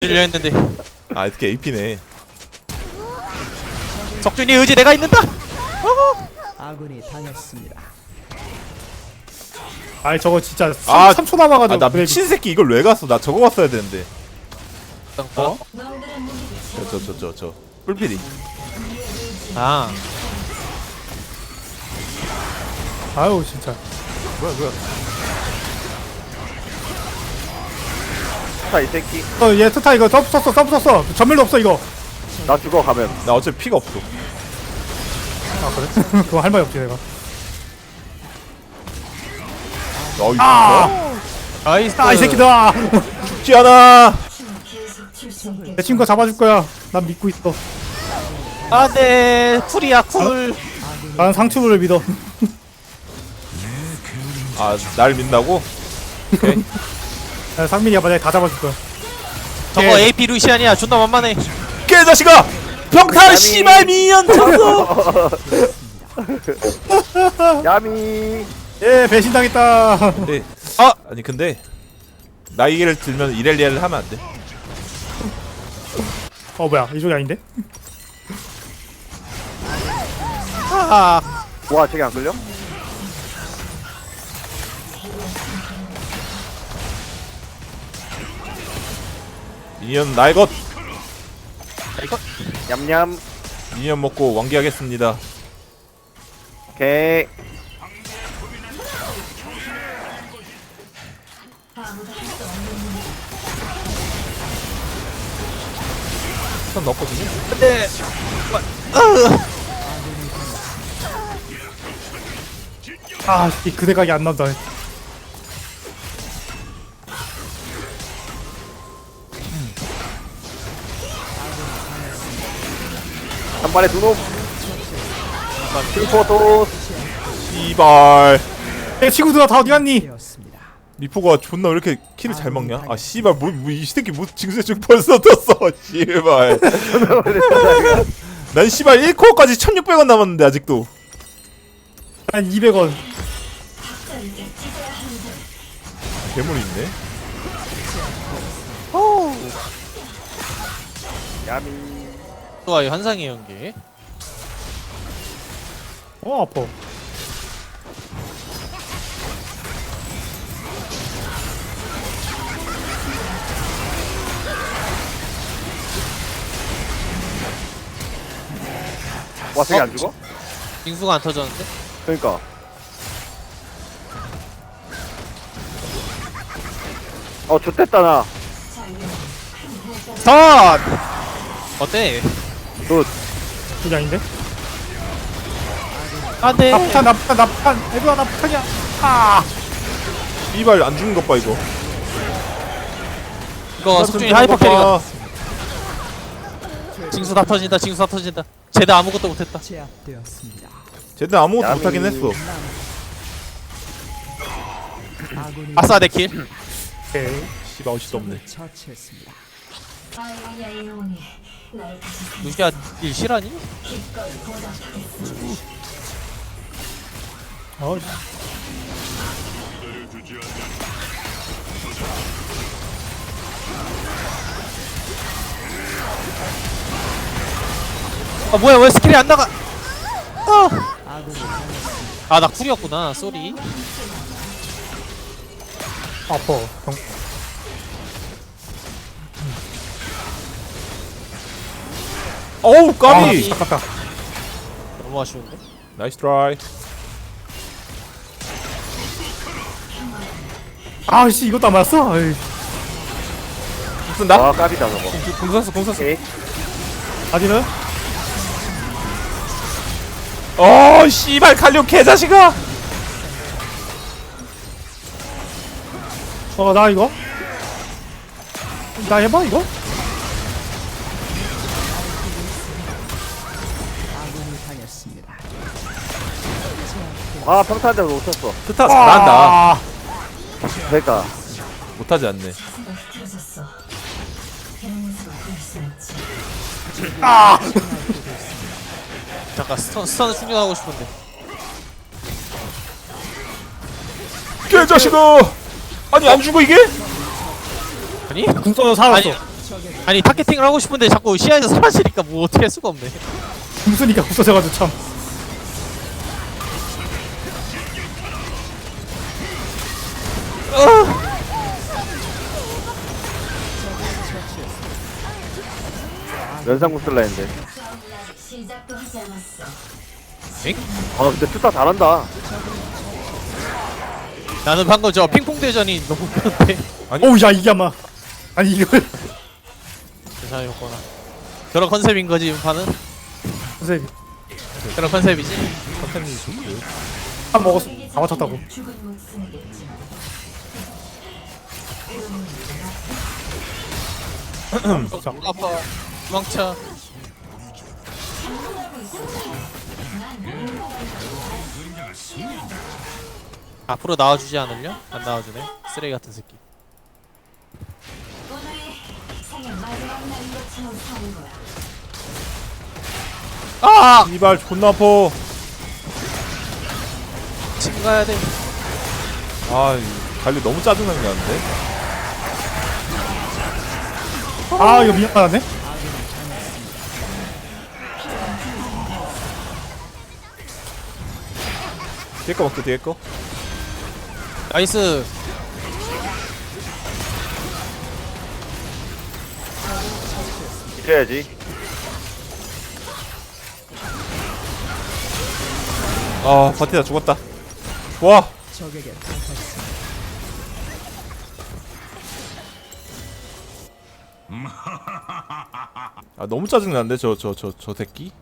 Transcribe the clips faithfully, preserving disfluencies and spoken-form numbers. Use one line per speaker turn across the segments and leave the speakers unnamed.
들려 했는데
아 이렇게 에이피네.
석준이 의지 내가 있는다.
아군이 당했습니다.
아이 저거 진짜
아,
삼 초 남아가지고.
아 나
그래.
미친 새끼 이걸 왜 갔어? 나 저거 갔어야 되는데.
어?
저 저 저 저 저 뿔피리.
아
아유 진짜.
뭐야 뭐야.
타 이 새끼.
어얘 트타 이거 점프 썼어 점프 썼어 전멸도 없어 이거.
나 죽어 가면.
나 어차피 피가 없어.
아 그래? 그거 할 말이 없지 내가.
어, 이거
아!
나이스.
아 이 새끼다.
죽지 않아.
내 친구 잡아줄 거야. 난 믿고 있어.
안돼 쿨이야 쿨.
난 상추를 믿어.
아 날 믿나고? 오케이.
야, 상민이가 만약에 다 잡아줄 거야.
저거
예.
에이피 루시안이야 존나 만만해.
개자식아! 병탈 씨발 미연 쳤어.
야미.
예 배신당했다.
근데
아!
아니 근데 나이를 들면 이렐리아를 하면 안 돼.
어 뭐야 이쪽이 아닌데?
아
와 저게 안 끌려?
미니언 나의 것.
이거
냠냠.
미니언 먹고 완기하겠습니다.
오케이.
스턴 넣었거든요.
근데
아이 그대각이 안 나온다.
한 발에 두 놈. 킬포토.
씨발.
내 친구들아 다 어디 갔니?
되었습니다.
미포가 존나 왜 이렇게 킬을 잘 먹냐? 아 씨발 뭐이 새끼 뭐 징수의 벌써 떴어. 씨발. 난 씨발 일 코어까지 천육백 원 남았는데 아직도.
한 이백 원.
괴물이 있네.
야미.
좋아요 환상의 연계.
어 아파.
와 저게
어?
안 죽어?
빙수가 안 터졌는데?
그러니까. 어 좋댔다 나.
스턴! 어때?
그게 아닌데?
안돼.
나폭탄 나폭탄 나폭탄. 애들아 나폭탄이야. 아.
씨발 안 죽는 것 봐 이거.
이거 석준이 하이퍼 캐리가. 징수 다 터진다 징수 다 터진다. 쟤도 아무것도 못했다.
제압되었습니다.
쟤들 아무것도
야미.
못하긴 했어.
아군이
아싸 내킬.
오케이.
씨발 어시도 없네.
처치했습니다.
루시아 일 실하니?
어.
아 뭐야 왜 스킬이 안 나가?
아군이
아나 쿨이었구나 쏘리.
아파. 병.
어우 까비.
아, 아깝다.
너무 아쉬운데?
나이스 트라이.
아씨 이것도 안 맞았어. 아이.
쓴다?
와 까비다 저거.
공 쐈어 공 쐈어.
오케이.
아디는?
어 씨발 칼륨 개자식아.
어 나 이거? 나 해봐 이거?
아군이 당했습니다.
아 평타한테 놓쳤어.
스타 잘한다.
아,
그러니까.
못하지 않네.
잠깐 스턴 스턴을 충전하고 싶은데.
개자식아. 아니 안 죽어 이게?
아니?
궁 써서 살았어.
아니 아니 타겟팅을 하고 싶은데 자꾸 시야에서 사라지니까 뭐 어떻게 할 수가 없네.
궁수니까 없어져가지고 참.
연상군 쓸라 했는데.
시작도 하지 않았어.
엥?
아 근데 투타 잘한다.
나는 방금 저 핑퐁 대전이 너무 웃겼는데.
오우 야 이게 아마 아니 이걸
괜찮았구나. 그런 컨셉인 거지 인파는?
선생님
그런 컨셉이지.
한 먹었어 다 맞췄다고.
죽은 목숨이겠지.
자,
아파. 도망쳐. 앞으로 나와주지 않을려? 안 나와주네. 쓰레기 같은 새끼.
오늘이 생애 마지막 날인 것처럼 사는 거야.
아!
씨발 존나 아파.
지금 가야 돼.
아 이 관리 너무 짜증나게 하는데.
아 이거 미안하네.
뒤에 거 먹자 뒤에 거.
나이스.
이겨야지.
아 버티다 죽었다. 와.
적에게 당했습니다.
아 너무 짜증나는데 저 저 저 저 새끼.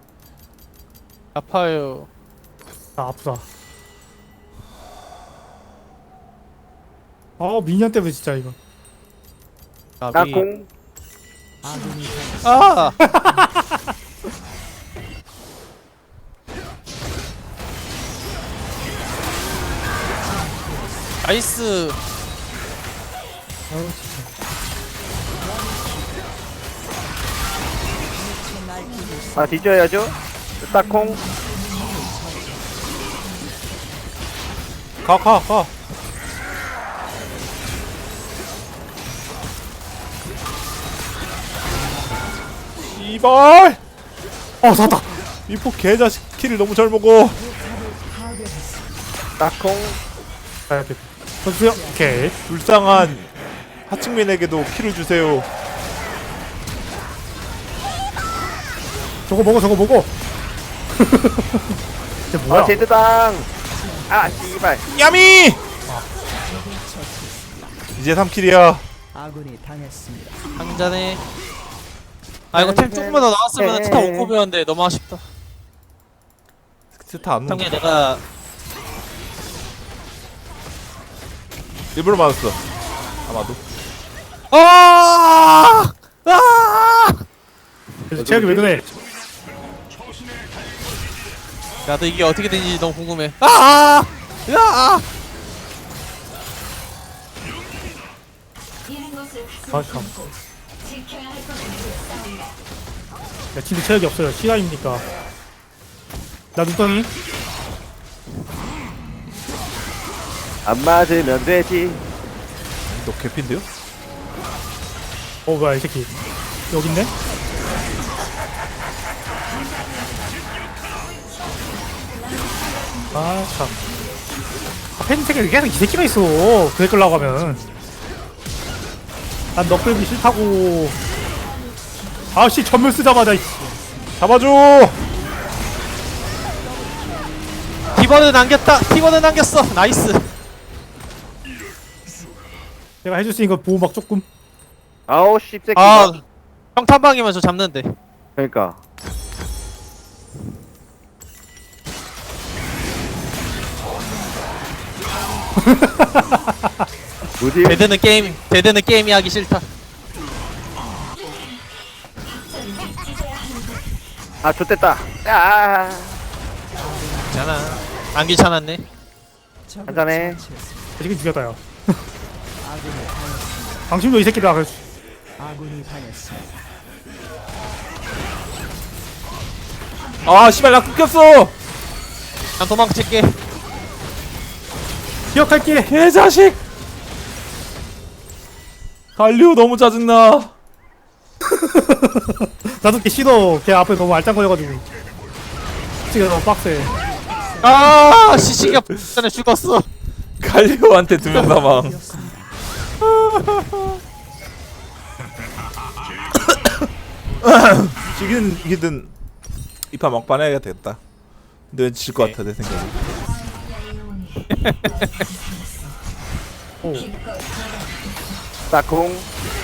아파요.
아 아프다. 아 미니언 때문에 진짜 이거.
나비.
땅콩.
아군이 당했습니다.
아! 나이스.
아우 진짜.
아 뒤져야죠. 땅콩.
가 가 가. 씨발.
어 살았다.
미포 개자식 키를 너무 잘 먹어.
땅콩.
가야 돼. 선수요. 오케이.
불쌍한 하층민에게도 키를 주세요.
저거 먹어 저거 먹어. 이게 뭐야?
아 제드당. 아 씨발.
야미. 이제 삼 킬이야.
아군이 당했습니다.
한잔해. 아 이거 템 조금만 더 나왔으면 스타 오 컵이었는데 너무 아쉽다.
스타 안
당연히
넣는
내가
일부러 맞았어. 아마도.
아! 아!
제약이 왜 그래?
나도 이게 어떻게 되는지 너무 궁금해. 아! 야!
이런 것을
아
가슴
참.
품고 지켜야 할 것을 싸운다.
야 진짜 체력이 없어요. 시간입니까? 나 눈덩이.
안 맞으면 되지.
너 개핀데요?
어 뭐야 이 새끼. 여기 있네. 아 참. 아, 팬 새끼 계속 이 새끼가 있어. 그래 끌라고 하면. 난 너 끌기 싫다고. 아씨 전멸 쓰자마자 이씨.
잡아줘.
티버는 남겼다. 티버는 남겼어. 나이스.
내가 해줄 수 있는 거 보호막 조금.
아우 씹새끼.
아, 평탄방이면 저 잡는데.
그러니까. 뭐지?
데드는 게임, 데드는 게임이 하기 싫다.
아 좋댔다. 야.
괜찮아. 안 귀찮았네.
한잔해.
지금 죽였다 야.
아군이 당했습니다.
방심도 이 새끼다. 그래서
아군이 당했습니다.
아 씨발 나 끊겼어.
난 도망칠게.
기억할게.
개자식. 갈리오 너무 짜증나.
나도 걔 싫어. 걔 앞에 너무 알짱거려가지고. 지금 너무 빡세.
아 시시가 전에 죽었어.
갈리오한테 두 명 남아. 지긴 이기든 이파 막판 해야 되겠다. 근데 왠지 질 것 같아 내 생각에.
오.
딱콩.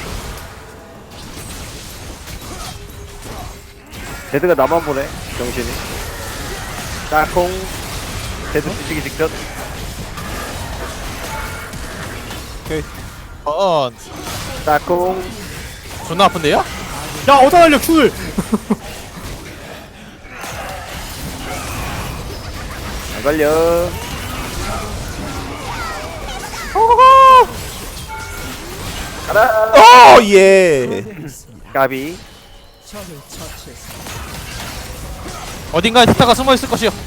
제드가 나만 보네. 정신이. 딱콩. 제드 뒤지기 직전.
오케이.
어
딱콩.
존나 아픈데요?
야 어디다 날려 큐를.
안 걸려. 가라.
어 예.
까비.
적을 처치했습니다.
어딘가에 티타가 숨어 있을 것이요.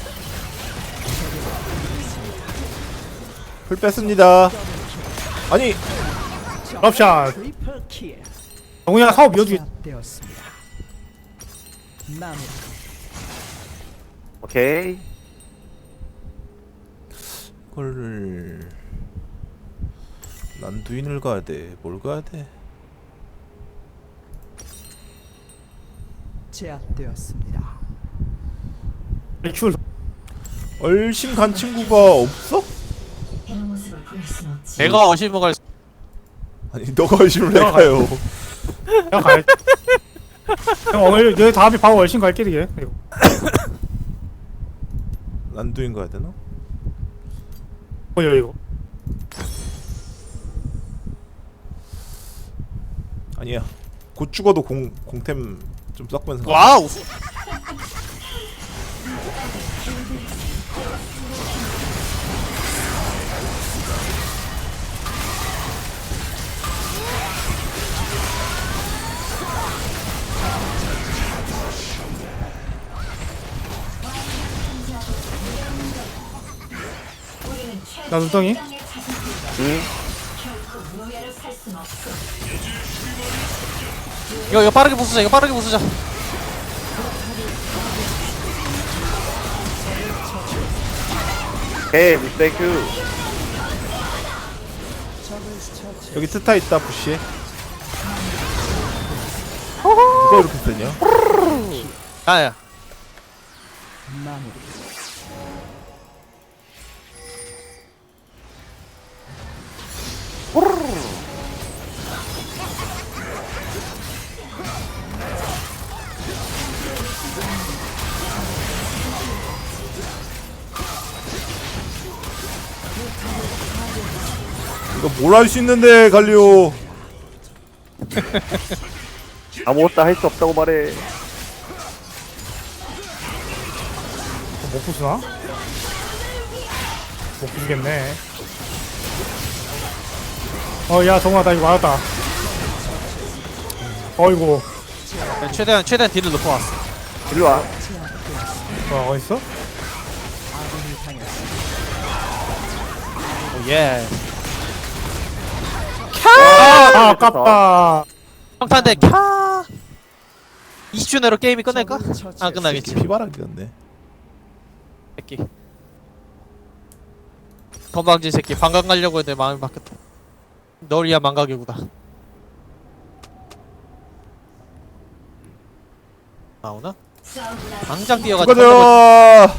풀 뺐습니다. 아니
럽샷.
트리플 킬.
정훈이랑 사업 이어주기.
제압되었습니다. 마무리.
오케이.
이걸 난두인을 가야 돼. 뭘 가야 돼?
제압되었습니다.
큐를.
얼씬 간 친구가 없어?
이런 모습을 볼 순 없지.
내가 어시모 갈.
아니 너가 얼씬을 해
내가
가요.
형 가야. 형 오늘 내 다음에 바로 월신 갈게 되게. 이거.
난두인 가야 되나?
뭐야 이거.
아니야. 곧 죽어도 공 공템 좀 섞으면서. 가.
와우.
우리는
나 눈덩이.
최강의 자신들.
응.
결코 무예를 살 순 없어.
이거 이거 빠르게 부수자. 이거 빠르게 부수자.
오케이. 땡큐.
적을 처치.
여기 트타 있다 부시에. 누가 이렇게 세냐?
아야.
마무리.
이거 뭘 할 수 있는데 갈리오.
아무것도 할 수 없다고 말해.
못 부수나? 못 부수겠네. 어야 정훈아 나 이거 맞았다. 어이구.
최대한 최대한 딜을 높여왔어.
일로 와.
와 어딨어?
아군이 당했습니다.
오 예.
아 아깝다.
평탄대 캬. 이십 초 내로 게임이 끝낼까? 안 끝나겠지.
피바라기였네.
새끼. 건방진 새끼. 방광 가려고 했는데 마음이 바뀌었다. 너리야 망가개구다. 나오나?
싸우구나.
당장 뛰어가지고.
가자.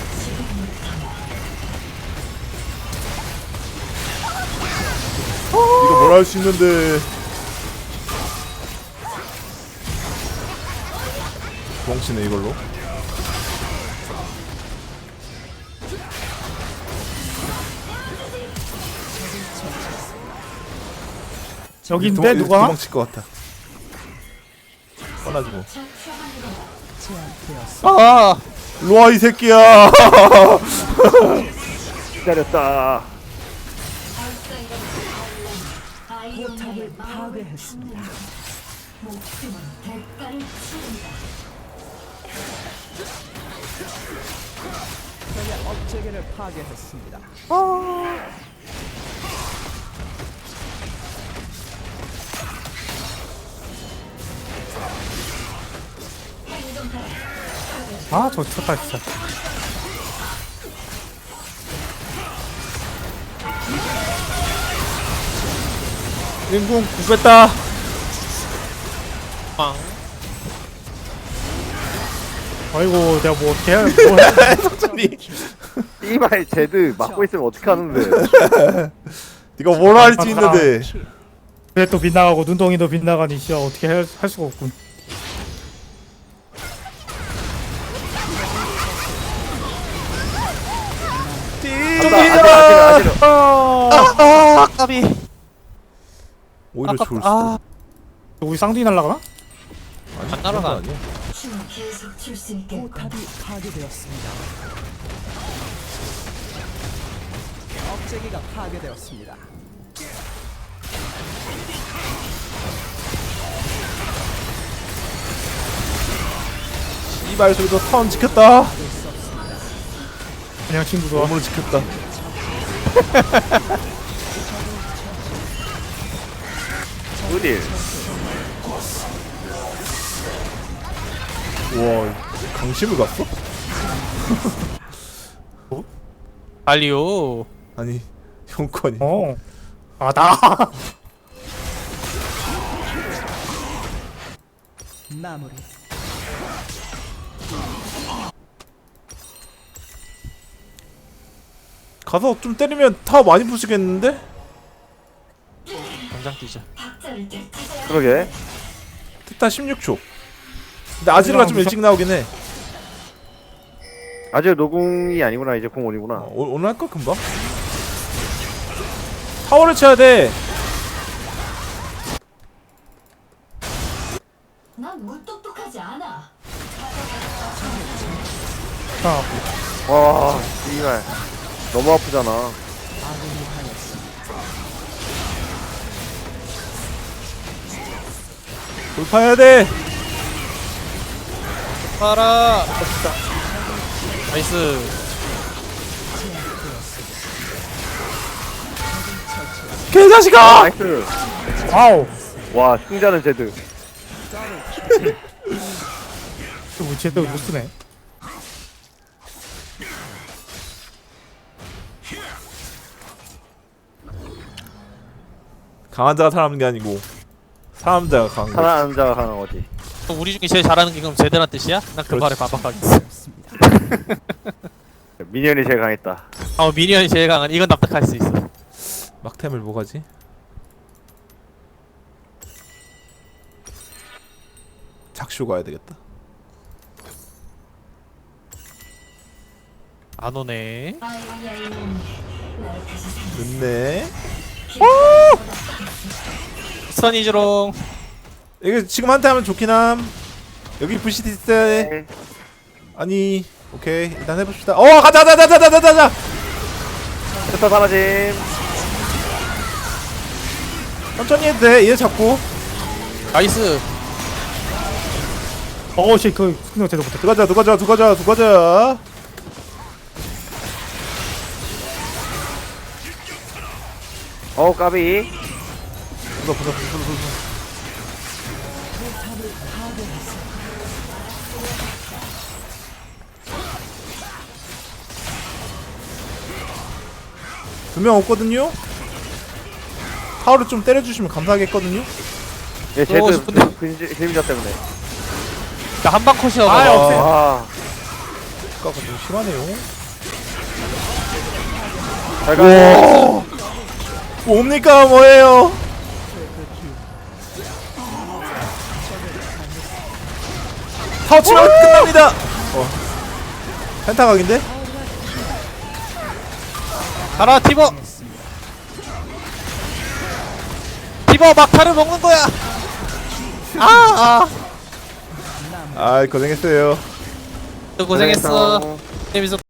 이거 뭘 할 수 있는데. 멍치네 이걸로.
여기인데 누가?
도망칠 것 같아. 뻔하지고.
제압되었습니다.
아,
일로와 이 새끼야.
기다렸다.
아이오니아의
포탑을
마음을
파괴했습니다.
목숨은 대가를 치른다.
적의 업체계를 파괴했습니다.
아저 쳤다 진짜.
인궁 궁 뺐다.
빵.
아이고 내가 뭐 어떻게 해? 뭐 해?
석준이
씨발 제드 막고 있으면 어떻게 하는데?
네가 뭘 할지 있는데.
그래 또 빗나가고 눈덩이도 빗나가니 진짜 어떻게 할, 할 수가 없군.
좀
아지러
밀려라.
아지러.
아, 까비.
오히려
아깝다.
좋을 수도.
아,
우리 쌍둥이 날라가나?
아니,
안 날아가.
그런 거 아니야.
춤을 계속 출 수 있겠군.
포탑이 파괴되었습니다. 억제기가 파괴되었습니다.
이발 소리도 턴 지켰다.
그냥 친구도.
몸으로 지켰다.
어딜?
와, 강심을 갔어?
알리오.
아니, 형권이.
어. 아 나.
마무리.
가서 좀 때리면 타워 많이 부시겠는데?
당장 뛰자.
박자를 뗄
그러게.
티타 십육 초. 근데 아지르가 좀 일찍 나오긴 해.
아직 노궁이 아니구나. 이제 공원이구나.
어, 오- 오늘 할까 금방? 타워를 쳐야 돼.
난 물똑똑하지 않아.
아,
와, 씨발. 너무 아프잖아.
아군이 당했습니다.
돌파해야 돼.
가라. 나이스.
개자식아!
나이스.
아우.
와, 승자는 제드.
또 쟤도 못 쓰네.
강한 자가 살아남는 게 아니고 사람 자가 강한 거지.
사랑하는 자가 가는 거지.
그럼 우리 중에 제일 잘하는 게 그럼 제대란 뜻이야? 난 그 말에 반박하겠어.
미니언이 제일 강했다.
아, 미니언이 제일 강한. 이건 납득할 수 있어.
막템을 뭐가지? 작쇼 가야 되겠다.
안 오네.
아이야 이놈. 나를 다시 생
늦네.
스턴이즈롱.
이거 지금 한테 하면 좋긴 함. 여기 부시티 있어야 돼.
네.
아니, 오케이. 일단 해봅시다. 어, 가자, 가자, 가자, 가자, 가자.
스타 사라짐.
천천히 해도 돼. 얘 잡고.
나이스.
어씨 그 스크린 제대로 못했다.
들어가자, 들어가자, 들어가자, 들어가자.
어, 까비.
보자, 보자, 보자, 보자, 보자. 두 명 없거든요? 타워를 좀 때려주시면 감사하겠거든요?
예,
들어오고
제드
싶은데.
그- 그림자 때문에.
나 한방 컷이야.
아,
봐.
없애.
아,
아까가 좀 심하네요.
잘 가.
오! 뭡니까, 뭐예요? 타워 치면 끝납니다! 어. 펜타각인데?
가라, 티버. 티버 막타를 먹는 거야. 아, 아.
아이, 고생했어요.
또 고생했어.
고생했어.
재밌었.